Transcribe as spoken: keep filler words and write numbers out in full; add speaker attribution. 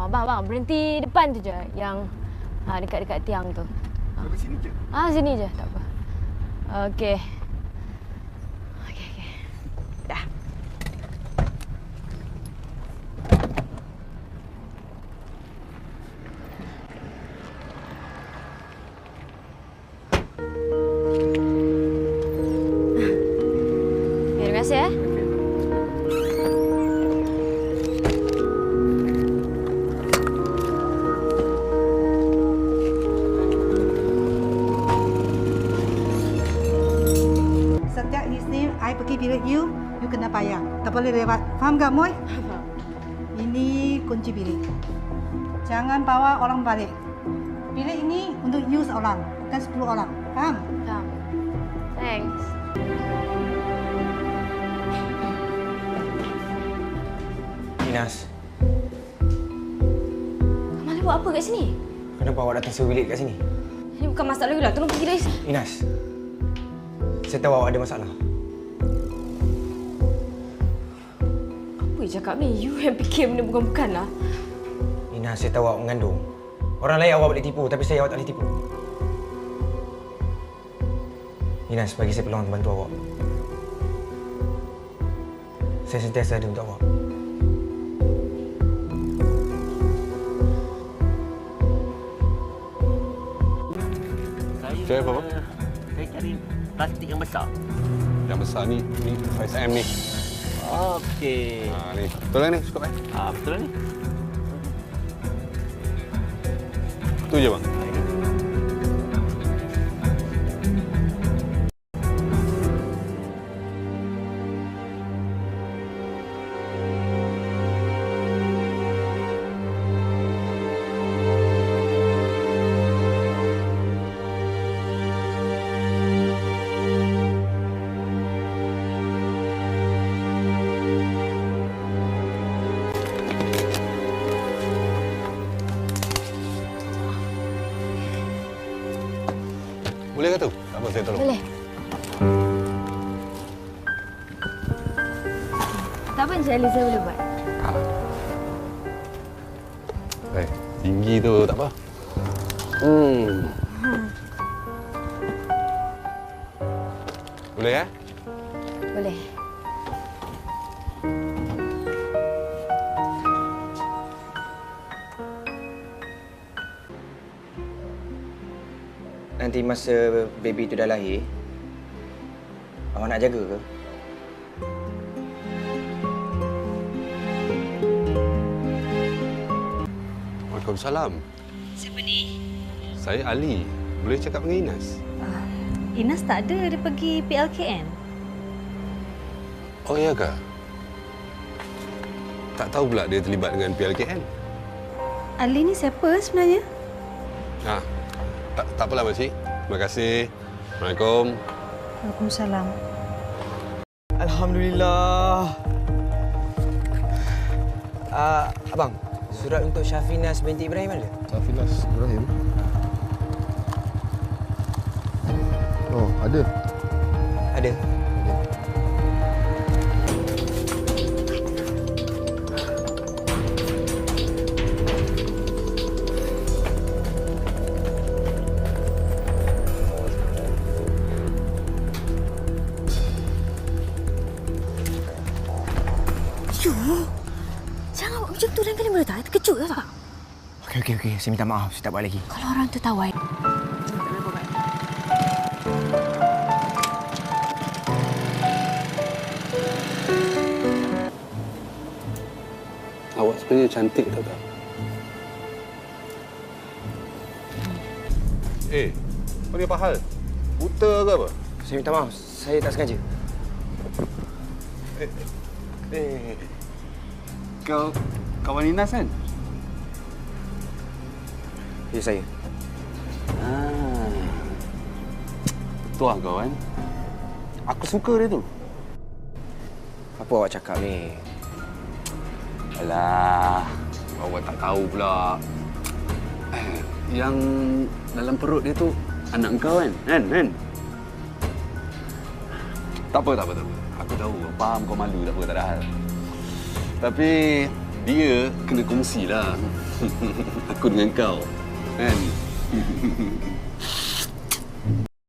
Speaker 1: abang, abang. Berhenti depan tu je. Yang ha, dekat-dekat tiang tu. Ha.
Speaker 2: Sampai sini je?
Speaker 1: Ah, sini je. Tak apa. Okey. Okey, okey. Dah. Terima kasih, eh.
Speaker 3: Sejak his name, I pergi bilik you, you kena bayar. Tak boleh lewat. Faham tak, Moy? Ini kunci bilik. Jangan bawa orang balik. Bilik ini untuk you seorang, bukan sepuluh orang. Faham?
Speaker 1: Faham. Thanks.
Speaker 4: Inas,
Speaker 1: Kamal buat apa kat sini?
Speaker 4: kenapa awak datang sewa bilik kat sini?
Speaker 1: Ini bukan masalah you lah. Tolong pergi dari sini.
Speaker 4: Inas, saya tahu awak ada masalah.
Speaker 1: Apa you cakap ni? You yang fikir benda bukan-bukan lah.
Speaker 4: Inas, saya tahu awak mengandung. Orang lain awak boleh tipu, tapi saya awak tak boleh tipu. Inas, bagi saya peluang untuk bantu awak. Saya sentiasa ada untuk awak.
Speaker 5: Cari apa, Pak?
Speaker 6: Saya cari plastik yang besar.
Speaker 5: Yang besar ni, ni saiz M ni.
Speaker 6: Okey.
Speaker 5: Ha, ni. Betul lah ni, cukup eh?
Speaker 6: Ah, betul lah ni.
Speaker 5: Tu je, bang. Boleh ke tu? Tak apa, saya tolong.
Speaker 1: Boleh. Tak apa, insyaAllah saya boleh buat.
Speaker 5: Ha. Eh, tinggi tu tak apa. Hmm. Boleh eh?
Speaker 1: Boleh.
Speaker 4: Nanti masa baby tu dah lahir, awak nak jaga ke?
Speaker 5: Waalaikumsalam.
Speaker 7: Siapa ni?
Speaker 5: Saya Ali. Boleh cakap dengan Inas?
Speaker 7: Uh, Inas tak ada. Dia pergi P L K N.
Speaker 5: Oh, ya ke? Tak tahu pula dia terlibat dengan P L K N.
Speaker 7: Ali ni siapa sebenarnya?
Speaker 5: Ha. Tak, tak apalah, Makcik. Terima kasih. Assalamualaikum.
Speaker 7: Waalaikumsalam.
Speaker 4: Alhamdulillah. Uh, abang, surat untuk Syafinas binti Ibrahim ada?
Speaker 2: Syafinas Ibrahim? Oh, ada.
Speaker 4: Ada.
Speaker 1: Jangan buat macam tu lain kali boleh tak? Terkejut tak?
Speaker 4: Okey, okey, okey. Saya minta maaf. Saya tak buat lagi.
Speaker 1: Kalau orang tu tahu, I...
Speaker 5: Awak sebenarnya cantik, tahu tak? Eh, kau ni apa hal? Buta ke apa?
Speaker 4: Saya minta maaf. Saya tak sengaja.
Speaker 5: Eh, eh. Kau kawan Inas kan?
Speaker 4: Ya, saya.
Speaker 5: Ah. Betul lah kau kan? Aku suka dia tu.
Speaker 4: Apa awak cakap ni?
Speaker 5: Alah, awak tak tahu pula. Yang dalam perut dia tu anak kau kan? Kan? Kan? Tak apa, tak apa, tak apa. Aku tahu, faham kau malu, tak apa, tak ada hal. Tapi dia kena kongsilah. Aku dengan kau. Kan?